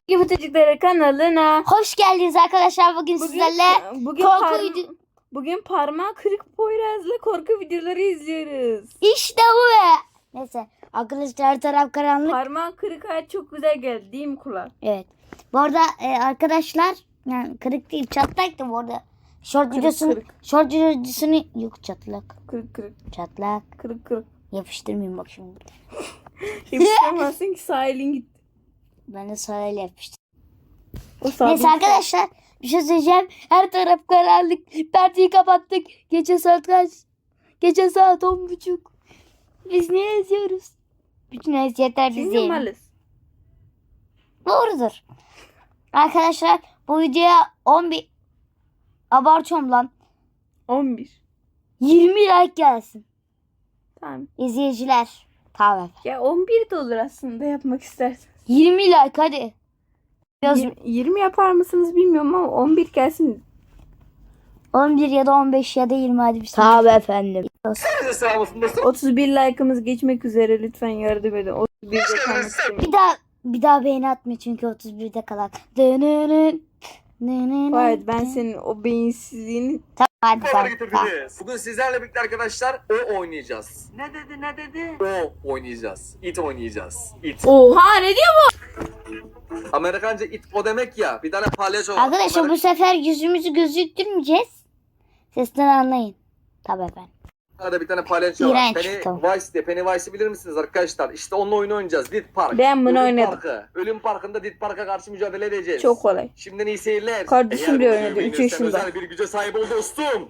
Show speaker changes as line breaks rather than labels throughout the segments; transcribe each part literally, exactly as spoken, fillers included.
Çocukları kanalına
hoş geldiniz arkadaşlar. Bugün,
bugün,
sizlerle
bugün,
korku
parma-
video...
bugün parmağı kırık Poyraz'la korku videoları izliyoruz.
İşte bu be. Neyse arkadaşlar, her taraf karanlık.
Parmağı kırık hayat çok güzel geldi değil mi kulak?
Evet. Bu arada e, arkadaşlar, yani kırık değil, çatlaktı bu arada. Short
Kırık,
videosunu,
kırık.
short videosunu yok, çatlak.
Kırık kırık
Çatlak.
kırık kırık.
Yapıştırmayayım bak şimdi.
Yapıştıramazsın ki sağ elin gitti.
Ben de sırayla yapıştım.
O sağ
Neyse
elin-
arkadaşlar, bir şey söyleyeceğim. Her taraf karanlık. Perdeyi kapattık. Gece saat kaç? Gece saat on buçuk. Biz ne yazıyoruz? Bütün eziyetler
Çünkü
bize.
malız.
Doğrudur. Arkadaşlar, bu videoya on bir, abartıyorum lan,
on bir.
yirmi like gelsin.
Tamam.
İzleyiciler. Tamam efendim.
Ya on bir de olur aslında yapmak istersen.
yirmi like hadi. Yaz,
Yir- yirmi yapar mısınız bilmiyorum ama on bir gelsin.
on bir ya da on beş ya da yirmi hadi. Tamam efendim.
otuz bir like'ımız geçmek üzere, lütfen yardım edin. otuz birde kalmak istemiyorum.
Bir daha bir daha beğeni atma çünkü otuz birde kalan. Dönünün. Dönünün.
Hayır, ben senin o beyinsizliğini...
Tamam hadi
Haber
tamam. tamam.
getirdiniz. Bugün sizlerle birlikte arkadaşlar o oynayacağız. Ne dedi ne dedi? O oynayacağız. It oynayacağız. It.
Oha, ne diyor?
Amerikanca it o demek ya. Bir tane palyaço var.
Arkadaşlar, bu sefer yüzümüzü gözüktürmeyeceğiz. Sesten anlayın. Tabii efendim.
Amerika'da bir tane palyaço var.
İğrenç, tamam.
Pennywise diye. Pennywise'ı bilir misiniz arkadaşlar? İşte onunla oyun oynayacağız. Dit Park.
Ben bunu
Ölüm
oynadım.
Parkı. Ölüm Parkı'nda Dit Park'a karşı mücadele edeceğiz.
Çok kolay.
Şimdiden iyi seyirler.
Kardeşim
Eğer
bile
bu
oynadı,
videoyu
üç
beğenirsen
yaşında.
özel bir güce sahip ol dostum.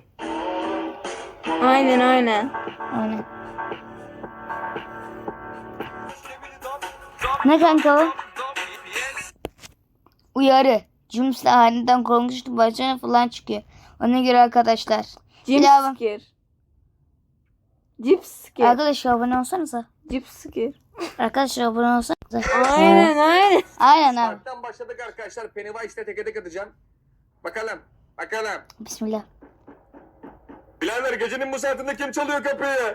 Aynen aynen.
Aynen. Ne kanka o? Uyarı. Cümsle aniden korkmuştu, başına falan çıkıyor. Ona göre arkadaşlar.
Jim
Bir daha bak.
scare. Jip scare.
Arkadaşlar abone olsanıza.
Jip scare.
Arkadaşlar abone olsanıza.
Aynen aynen.
Aynen abi.
Parktan başladık arkadaşlar. Pennywise'le teke tek atacağım. Bakalım. Bakalım.
Bismillah.
Birader, gecenin bu saatinde kim çalıyor kapıyı?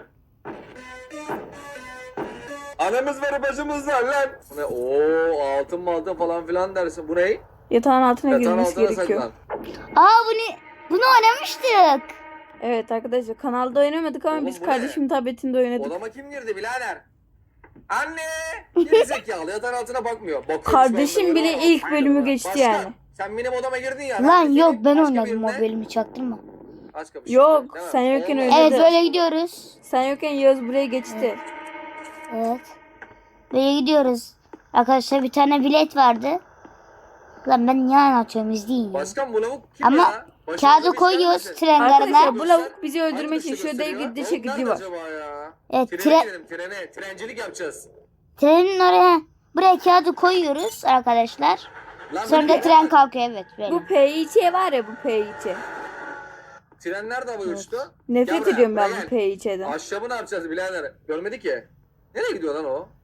Anamız var, bacımız var lan. Ne? Oo, altın mı altın falan filan dersin. Bu ne?
Yatağın altına
Yatağın
girmesi
altına
gerekiyor.
saklan.
Aa bunu bunu oynamıştık.
Evet arkadaşlar, kanalda oynamadık ama
Oğlum,
biz
bu
kardeşimin tabletinde oynadık.
Odama kim girdi birader? Anne! Geri zekalı, yatağın altına bakmıyor. Bakıyormuş
Kardeşim
ben de
bile
böyle.
ilk bölümü geçti
Başka,
yani.
sen benim odama girdin ya.
Lan
Ben de
yok,
senin
ben
başka
oynadım o
birine-
bölümü, çaktırma.
Başka bir şey
Yok,
değil mi?
sen yokken
Olmaz.
öyle.
Evet,
de-
böyle gidiyoruz.
Sen yokken Yağız buraya geçti.
Evet. Böyle gidiyoruz. Arkadaşlar, bir tane bilet vardı. Lan ben niye anlatıyorum, izleyin ya.
Başkan, bu lavuk kim
Ama
ya? Başımıza
kağıdı
bir
koyuyoruz
gelmesin.
tren
Arkadaşlar,
garına.
bu lavuk bizi
Hangi
öldürmek için
ışığı
şurada
gösteriyor?
giddi
Lavuk
çekici
nerede
var.
acaba ya?
Evet,
Trene
tren,
gidelim, trene. Trencilik yapacağız.
trenin oraya, buraya kağıdı koyuyoruz arkadaşlar.
Lan
Sonra
bu-
da tren kalkıyor, evet böyle.
Bu P İ Ç var ya, bu P İ Ç.
Tren nerede havaya uçtu?
Nefret
Gel buraya,
ediyorum ben
buraya
bu
gel.
P İ Ç'den.
Ahşabı ne yapacağız birader? Görmedi ki. Nereye gidiyor lan o?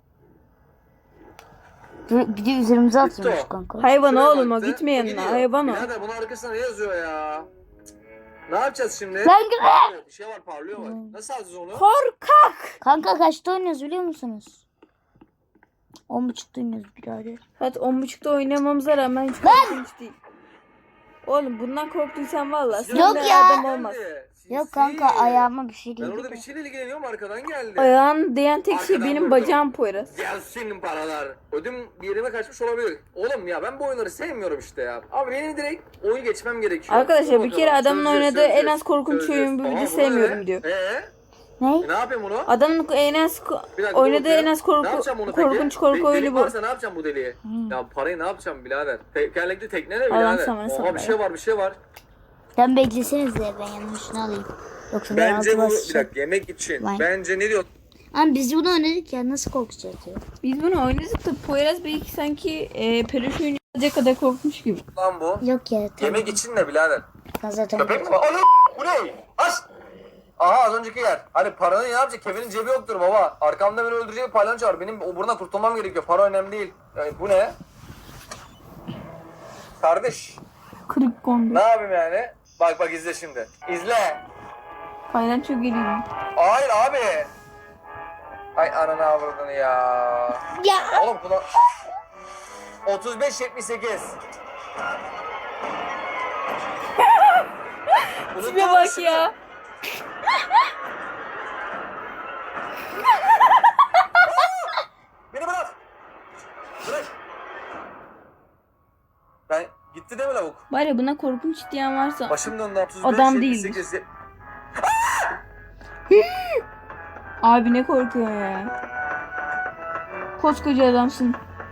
Bir bir de üzerimize
Gitti
atıyormuş
o.
kanka.
Hayvan
Şuraya
oğlum o,
baktı,
gitme yanına,
gidiyor.
hayvan o.
Birader, bunun arkasında ne yazıyor ya? Ne yapacağız şimdi?
Lan gülme.
Bir şey var, parlıyor var. Nasıl alacağız onu?
Korkak.
Kanka kaçta oynuyoruz biliyor musunuz? On buçukta oynuyoruz birader.
Evet, on buçukta oynamamıza rağmen hiç korkunç değil. Oğlum bundan korktuysan valla sen
Yok
de
ya.
adam olmaz.
Yok kanka, ayağıma bir şey
Ben
değil.
orada bir şeyle ilgileniyorum, arkadan geldi.
Ayağın değen tek şey
Arkadan
benim
vurdu.
bacağım Poyraz.
Gelsin paralar. Ödüm bir yerime kaçmış olabilir. Oğlum ya, ben bu oyunları sevmiyorum işte ya. Abi benim direkt oyun geçmem gerekiyor.
Arkadaşlar,
Dur
bir kere
bakalım.
adamın
Çözeceğiz,
oynadığı en
çözeceğiz,
az korkunç
çözeceğiz.
oyun bu
Aha,
video
bu ne?
sevmiyorum diyor.
Ee,
Ne?
e, ne yapayım bunu?
Adamın en az ko-
Bir dakika,
oynadığı
dur
en
ya.
az
Ne
korku
yapacağım bunu peki?
korkunç korku
De-
oyunu
delik
bu.
varsa ne yapacağım bu deliği? Ya parayı ne yapacağım birader? Tekerlekli tekne ne
Allah'ım
birader?
sana
Oha,
sabır
bir
ya.
şey var, bir şey var.
Sen beklesenize, ben yanına şunu alayım. Yoksa ben
Bence
altıma
bu, bir
sıçarım.
dakika, yemek için.
Vay.
Bence ne diyor?
Ama biz bunu oynadık ya, nasıl korkacağız ya?
Biz bunu oynadık da Poyraz belki sanki e, peluş oyunu alacak kadar korkmuş gibi.
Lan bu?
Yok ya, tamam.
Yemek için ne birader?
Ben zaten
Köpek mi var? Ana! Bu ne? Aç! Aha, az önceki yer. Hani paranı ne yapacak? Kevin'in cebi yoktur baba. Arkamda beni öldürecek bir palyaço var. Benim o buradan kurtulmam gerekiyor. Para önemli değil. Yani bu ne? Kardeş.
Kırık kondu.
Ne yapayım yani? Bak bak, izle şimdi. İzle.
Palyaço geliyor.
Hayır abi. Hay ananı avradını ya.
Ya.
Oğlum kulak... otuz beş yetmiş sekiz.
Tipe bak ya.
Beni bırak. Bırak. Ben gitti değil mi lavuk?
Var ya buna korkunç diyen varsa
Başım döndü. otuz beş
Adam
yetmiş
değildir.
sekiz.
abi ne korkuyor ya. Koskoca adamsın.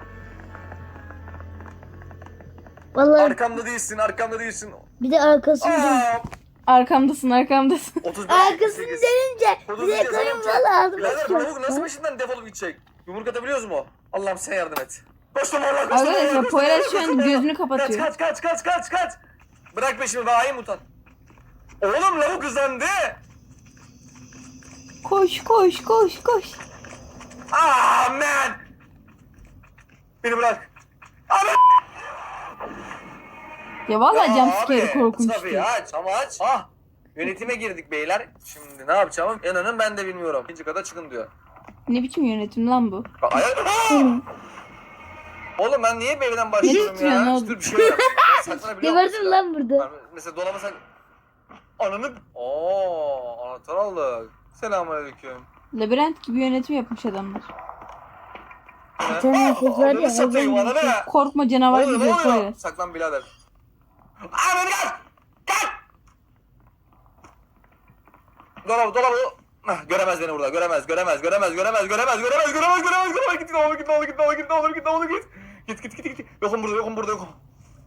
Vallahi
Arkamda değilsin, arkamda değilsin.
bir de arkasını dön.
Aa,
Arkamdasın arkamdasın.
otuz beş
Arkasını
yetmiş sekiz.
dönünce bir
Otuz
de
beş
karım
yazalım.
valla aldım.
Birader bu lavuk nasıl peşinden defolup gidecek? Yumruk atabiliyoruz mu? Allah'ım sen yardım et. Koştum Allah koştum. Allah,
Arkadaşlar
koştum,
Poyraz
Allah,
şu an
koştum, Allah.
gözünü kapatıyor.
Kaç kaç kaç kaç kaç kaç. Bırak peşimi ben ayım utan. Oğlum lavuk hızlandı.
Koş koş koş koş.
Ah man. Beni bırak. Abi.
Ya vallahi
Ya
jumpscare
abi,
korkunç
tabii
değil.
aç ama aç. Ah. Yönetime girdik beyler. Şimdi ne yapacağımı inanın ben de bilmiyorum. İkinci kata çıkın diyor.
Ne biçim yönetim lan bu?
Ay, ay- Oğlum ben niye bir evden başlıyorum
titriyorsun
ya?
oğlum?
Dur bir şey yap. Saklanabiliyor musun?
Geberdim lan burada.
Yani mesela dolaba sak... Ananı... Ooo anahtar aldık. Selamünaleyküm.
Labirent gibi yönetim yapmış adamlar.
Bir tane erkek var ya,
Ananı satayım
hayvan
ananı.
Korkma canavar
Ne oluyor,
gibi
ne oluyor?
Poyraz.
Saklan birader. Ananı gel! Gel! Dolabı dolabı. Ah, göremez beni burada. Göremez, göremez, göremez, göremez, göremez, göremez, göremez, göremez, göremez. Git, ne olur git, ne olur git, ne olur git, ne olur git, ne olur git. Git, git, git, git. Yokum burada, yokum burada, yokum.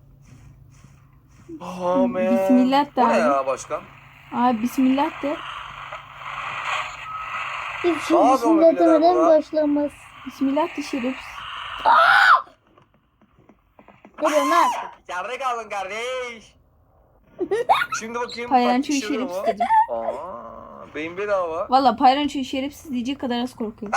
Oh man.
Bismillah de
Bu ne
abi.
ya başkan?
Abi bismillah de.
Hiç şey
Abi,
düşünce
onu bilemem
demeden
ulan.
başlamaz.
Bismillah de şerefsiz.
Ne diyorsun lan?
Yerde kaldın kardeş. Şimdi bakayım.
Paylaşıyor
taktik
şerefsiz
mu?
dedim.
Aa, beyin bedava.
Valla paylaşıyor şerefsiz diyecek kadar az korkuyor.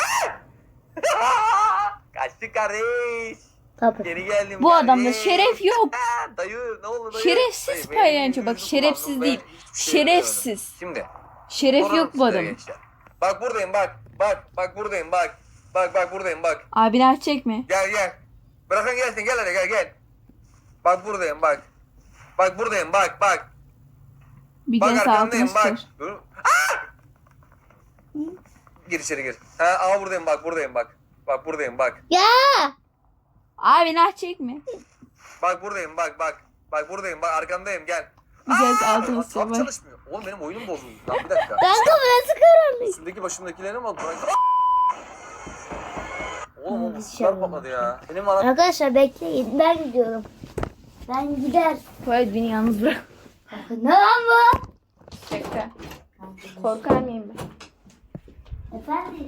Kaçtık kardeş.
Tabii.
Geri geldim
Bu
kardeş.
adamda şeref yok.
Ha, dayı ne oldu dayı?
Şerefsiz
Dayı, benim
paylaşıyor. Bak
yüzüm
şerefsiz
kullandım,
değil.
ben hiçbir şey
Şerefsiz.
yapamadım. Şimdi.
Şeref
sorarım
yok bu
size
adamın.
gençler. Bak buradayım bak. Bak bak buradayım bak. Bak bak buradayım bak.
Abini aç çekme.
Gel gel. Bırakın gelsin gel hadi gel gel. Bak buradayım bak. Bak buradayım bak bak.
Bir
Bak
gene sağ altına
arkandayım bak.
sıçrar.
Dur. Aa! Gir içeri gir. Ha, ama buradayım bak buradayım bak. Bak buradayım bak.
Ya!
Abini aç çekme.
Bak buradayım bak bak. Bak buradayım bak arkandayım gel.
Bir gene
Aa!
altına sıçrar.
Tam
Bak.
çalışmıyor. Oğlum benim oyunum bozuldu. Lan bir dakika.
Kanka burası karanlık.
Üstündeki başımdakileri mi aldı? Oğlum o
Abi,
mısırlar
şey
patladı ya. Benim ana...
Arkadaşlar bekleyin. Ben gidiyorum. Ben gider.
Poyraz beni yalnız bırak.
Kanka ne lan bu?
Şaka. Korkar mıyım ben?
Efendim?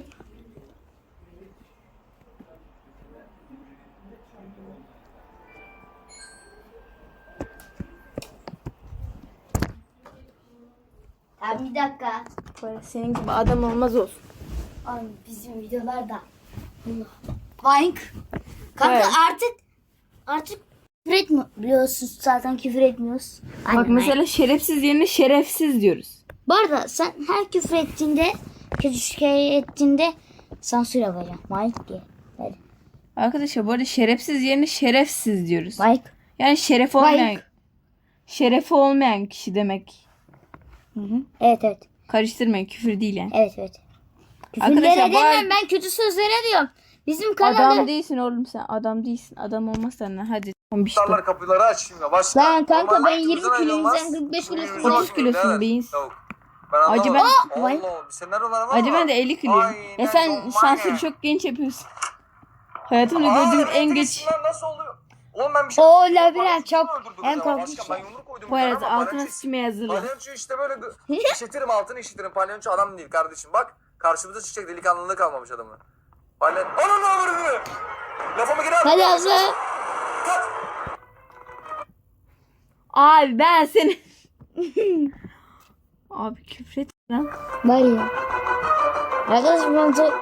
Abi bir dakika.
Poyraz senin gibi adam olmaz olsun.
Ay bizim videolarda. Vink. Kanka
Evet.
artık artık küfür etmiyor. Biliyorsunuz zaten küfür etmiyoruz.
Bak
Aynen,
mesela şerefsiz yerine şerefsiz diyoruz.
Bu arada sen her küfür ettiğinde, kötü şey ettiğinde sansür yapacağım. Mike diye. Hadi.
Arkadaşlar bu arada şerefsiz yerine şerefsiz diyoruz.
Mike.
Yani şeref olmayan,
Mike.
şerefi olmayan kişi demek.
Hı hı. Evet evet.
Karıştırmayın, küfür değil yani.
Evet evet.
Arkadaşlar,
Küfürlere
bu
demiyorum,
ar-
ben kötü sözlere diyorum. Bizim
Adam
kanalda...
değilsin oğlum sen. Adam değilsin. Adam olmazsan ne? Hadi. Bir şey.
Mısırlar kapıları aç şimdi. Başla.
Lan kanka,
Normal
ben yirmi
yüzden
kiloyum,
ayrılmaz.
sen kırk beş kilosun.
Yüzüne
otuz
bakıyorum,
kilosun
evet.
beyiz.
Yok. Ben anlamadım.
Acı ben-
Allah, bir senaryo var ama.
Acaba ben de elli kiloyum.
Aynen,
Ya sen
normal
sansürü
ya.
çok genç yapıyorsun. Hayatımda
Aa,
gördüğüm
evet,
en
evet,
geç.
lan nasıl oluyor? Oğlum ben bir şey...
Oo,
Benim
labirent
palyaçoyu
çok-
öldürdünüz
en
ama
korkunç
başkan,
şey.
Ben yumruk koydum.
Bu arada
bir tane ama
altına
palyaço-
sıçmaya hazırlan.
Palyaço işte böyle gı- işitirim altını işitirim. Palyaço adam değil kardeşim. Bak karşımıza çıkacak, delikanlılığı kalmamış adamın. Palyaço... Onun ne olur? Lafımı geri al.
Hadi abla.
Kat.
Abi ben seni... Abi küfret lan.
Var ya. Arkadaşım ben çok...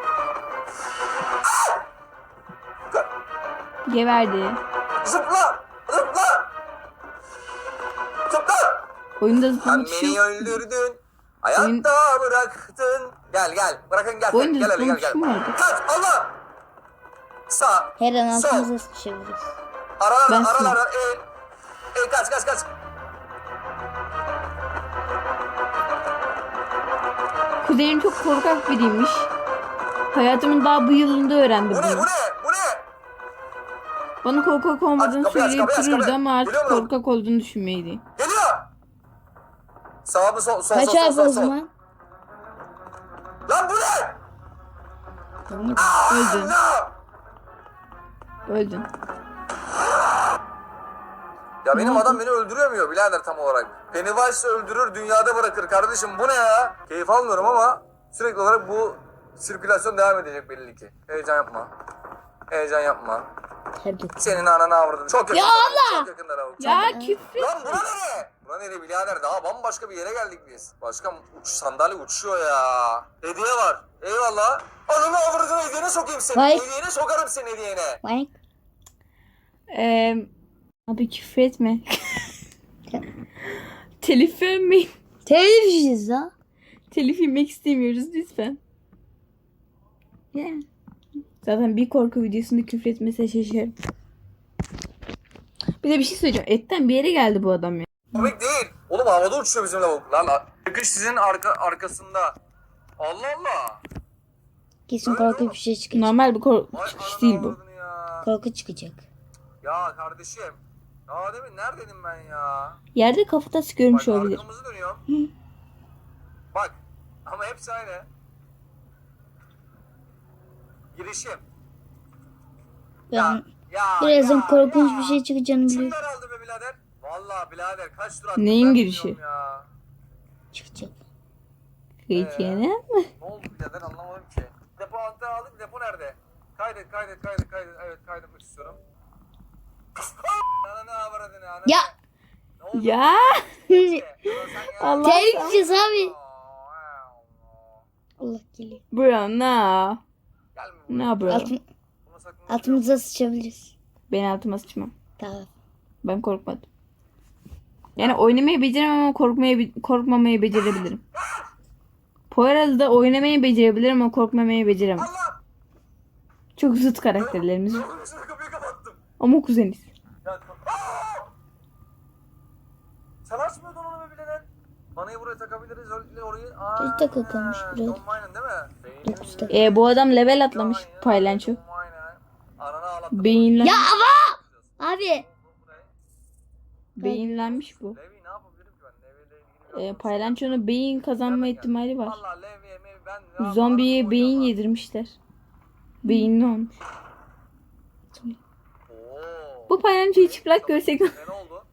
Geverdi.
Zıpla! Zıpla! Zıpla!
Oyunda
Sen
zıplamak bir şey
beni
yok.
öldürdün. Hayatta bıraktın. Gel gel. Bırakın gel.
Oyunda
Gel hele gel
zıplamak
gel.
şu mu vardı?
Kaç Allah! Sağ.
Her an
Sol.
altımıza sıçabiliriz.
Aralar
Ben
aralar. E, e, kaç kaç kaç.
Kuzenim çok korkak biriymiş. Hayatımın daha bu yılında öğrendim
Bu ne
bunu.
bu ne bu ne?
Bana korkak olmadığını
Aç kapıyı, aç
söyleyip
kapıyı, aç
dururdu
kapıyı.
ama artık
Geliyor mu?
korkak olduğunu düşünmeydi.
Geliyor. Sağ mı sol sol
Kaç
sol sol
harf
sol.
o
sol.
zaman?
Lan bu ne?
Öldün.
No.
Öldün.
Ya benim
Ne
adam
oldu?
beni öldüremiyor birader tam olarak. Pennywise öldürür dünyada bırakır kardeşim bu ne ya? Keyif almıyorum ama sürekli olarak bu sirkülasyon devam edecek belli ki. Heyecan yapma. Heyecan yapma.
Tebrik.
Senin ananı avradın. Çok yakında.
Allah!
Çok yakında lavuk.
Ya küfür.
Lan bura nere? Bura nere birader? Daha bambaşka bir yere geldik biz. Başka uç, sandalye uçuyor ya. Hediye var. Eyvallah. Ananı avradını hediyene sokayım seni.
Vay.
Hediyene sokarım seni hediyene.
Bak.
Ee, abi küfür etme. Telif vermeyin.
Televizyiz ha.
Telif yemek istemiyoruz lütfen.
Yani.
Zaten bir korku videosunda küfür etmese şaşarım. Bir de bir şey söyleyeceğim. Etten bir yere geldi bu adam ya.
Komik değil. Oğlum havada uçuyor bizim lavuk. Lan çıkış sizin arka, arkasında. Allah Allah.
Kesin korkunç bir şey çıkacak.
Normal bir korku
Vay
çıkış
ananı
değil bu.
avradını Ya.
Korku çıkacak.
ya kardeşim. Ya demin neredeydim ben ya?
Yerde kafatası görmüş
Bak
olabilir.
arkamızı dönüyorum. Bak. Ama hepsi aynı. Girişim.
Ben
ya,
birazdan
ya,
korkunç
ya.
bir şey çıkacağını biliyorum.
Kimler aldı be birader? Vallahi birader kaç tur attım
Neyin
ben
girişi?
bilmiyorum Ya.
Çıkacak.
Hiç
Ee?
yani.
Ne oldu birader anlamadım ki. Depo antı aldık. Depo nerede? Kaydet kaydet kaydet kaydet. Evet kaydetmek istiyorum. Ananı avradını ananı.
Ya.
Ne oldu?
Ya.
Ya sen ya.
Allah
Televizyiz abi.
Aa,
Allah geliyor.
bro na.
Gelme buraya.
Ne bro?
Altın,
Buna sakın-
altımıza sıçabiliriz.
Ben altıma sıçmam.
Tamam.
Ben korkmadım. Yani oynamayı beceremem ama korkmayı korkmamayı becerebilirim. Poyraz'da oynamayı becerebilirim ama korkmamayı beceremem.
Allah!
Çok zıt karakterlerimiz.
Oğlum şunu kapıyı kapattım.
Ama kuzeniz.
Ya, Aa! Sen açmıyordun onu be birader. Vanayı buraya takabiliriz. Öyle orayı. Aa,
Düz takı kalmış buraya.
Don Maynen değil mi?
Dokuz takı.
E bu adam level atlamış paylanço.
Don Maynen. Ananı ağlattım.
Beyinlen
Ya ama! Abi.
beyinlenmiş bu.
Levi ne yapabilirim ki ben? Levi ile ilgili bir
E, paylançonun beyin kazanma ihtimali var.
Vallahi Levi'ye Mevi ben ne yapayım?
Zombiye
Anasını
beyin
koyacağım
yedirmişler. Beyinli olmuş.
lan. Oo.
Bu paylançoyu çıplak görsek
Ne oldu?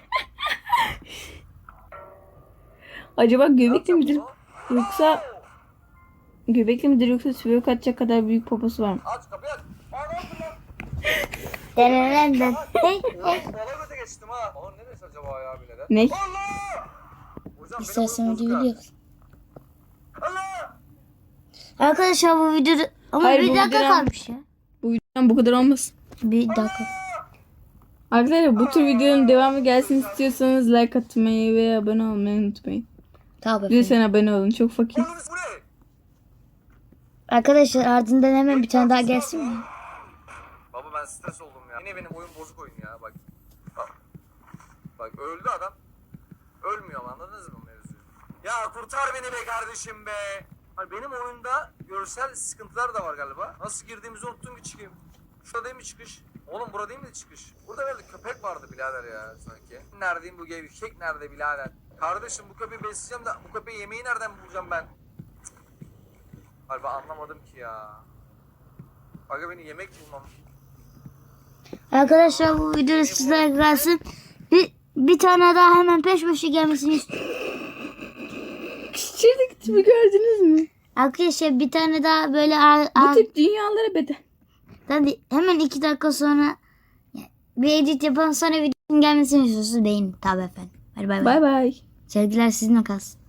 acaba göbekli
Yapacağım
midir?
bunu.
Yoksa göbekli midir yoksa sülük atacak kadar büyük poposu var mı?
Aç kapıyı aç. Aa ne yaptın lan?
Denenenden. Hey,
Oğlum
hey.
sola göte geçtim ha. Oğlum ne demiş acaba ya birader?
Ne?
Allah! Hocam
İstersen
benim
videoyu
oyun bozuk ha.
biliyoruz.
Allah!
Arkadaşlar bu videoda ama
Hayır,
bir
bu
dakika
videodan-
kalmış ya.
Bu videodan bu kadar olmasın.
Bir dakika.
Arkadaşlar bu tür videonun devamı gelsin istiyorsanız like atmayı ve abone olmayı unutmayın.
Tamam efendim.
Lütfen abone olun, çok fakir.
Oğlum bu ne?
Arkadaşlar ardından hemen bir tane daha gelsin mi?
Baba ben stres oldum ya. Yine benim oyun bozuk oyun ya bak. Bak, bak öldü adam. Ölmüyor ama anladınız mı mevzuyu? Ya kurtar beni be kardeşim be. Hani benim oyunda görsel sıkıntılar da var galiba. Nasıl girdiğimizi unuttum ki çıkayım. Şurada değil mi çıkış? Oğlum burada değil mi çıkış? Burada herhalde köpek vardı birader ya sanki. Neredeyim bu gevşek nerede birader? Kardeşim bu köpeği besleyeceğim de bu köpeği yemeği nereden bulacağım ben? Galiba anlamadım ki ya. Aga beni yemek bulmam.
Arkadaşlar bu videoda sizlere gelsin. Bir, bir tane daha hemen peş peşe gelmesini istiyorum.
Küçücük tipi gördünüz mü?
Arkadaşlar bir tane daha böyle ar,
Bu
ar,
tip dünyalara bedel.
hadi hemen iki dakika sonra bir edit yapalım sonra videonun gelmesini istiyorsunuz beğenin. Tabii efendim. Hadi bay bay.
Bay bay.
Sevgiler sizinle kalsın.